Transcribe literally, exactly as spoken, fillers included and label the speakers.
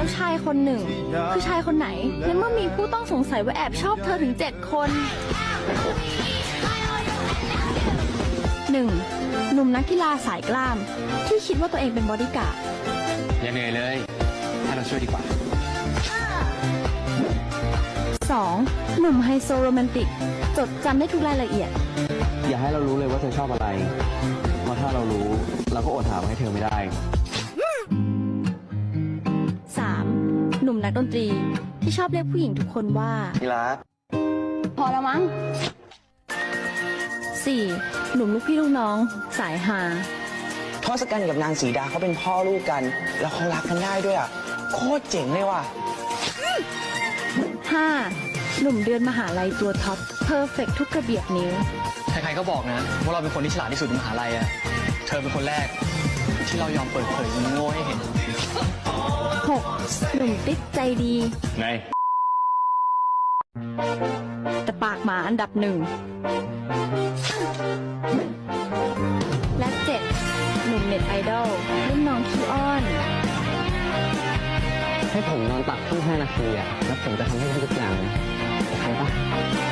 Speaker 1: แล้วชายคนหนึ่ง คือชายคนไหนในเมื่อมีผู้ต้องสงสัยว่าแอบชอบเธอถึงเจ็ดคน หนึ่ง หนุ่มนักกีฬาสายกล้าม ที่คิดว่าตัวเองเป็นบอดี้การ์ด
Speaker 2: อย่าเหนื่อยเลยให้เราช่วยดีกว่า
Speaker 1: สอง หนุ่มไฮโซโรแมนติก จดจำได้ทุกรายละเอียด
Speaker 2: อย่าให้เรารู้เลยว่าเธอชอบอะไร เพราะถ้าเรารู้เราก็อดถามให้เธอไม่ได้
Speaker 1: สาม หนุ่มนักดนตรีที่ชอบเรียกผู้หญิงทุกคนว่า
Speaker 2: ที่รัก
Speaker 1: พอแล้วมั้ง สี่ หนุ่มลูกพี่ลูกน้อง สายฮา
Speaker 3: ทศกัณฐ์กับนางสีดาเขาเป็นพ่อลูกกัน แล้วเขารักกันได้ด้วยอ่ะ โคตรเจ๋งเลยว่ะ
Speaker 1: ห้า หนุ่มเดือนมหาลัยตัวท็อปเพอร์เฟกทุกกระเบียดนิ้ว
Speaker 4: ใครๆก็บอกนะว่าเราเป็นคนที่ฉลาดที่สุดในมหาลัยอะเธอเป็นคนแรกที่เรายอมเปิดเผยมันโง่ให้เห็น
Speaker 1: หก หนุ่มติ๊กใจดี
Speaker 2: ไง
Speaker 1: แต่ปากหมาอันดับหนึ่ง และเจ็ด หนุ่มเน็ตไอดอลรุ่นน้องขี้อ้อน
Speaker 2: ให้ผมนอนตักเพิ่งห้านาทีอะแล้วผมจะทำให้ได้ทุกอย่างเลยโอเคปะ